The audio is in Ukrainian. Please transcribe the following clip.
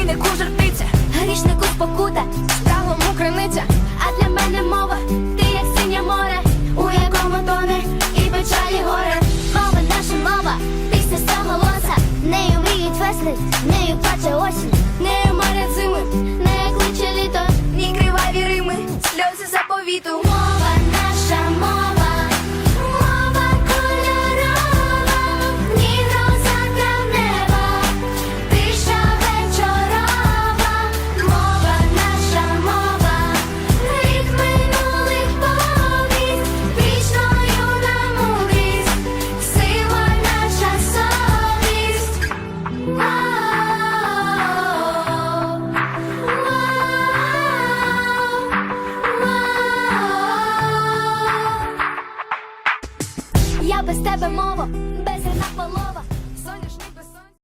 розбійнику жартиця, грішнику спокута, справому криниця. А для мене мова, ти як синє море, у якому тоне і печалі горе. Мова наша мова, пісня свого голоса, нею мріють весни, нею плаче осінь.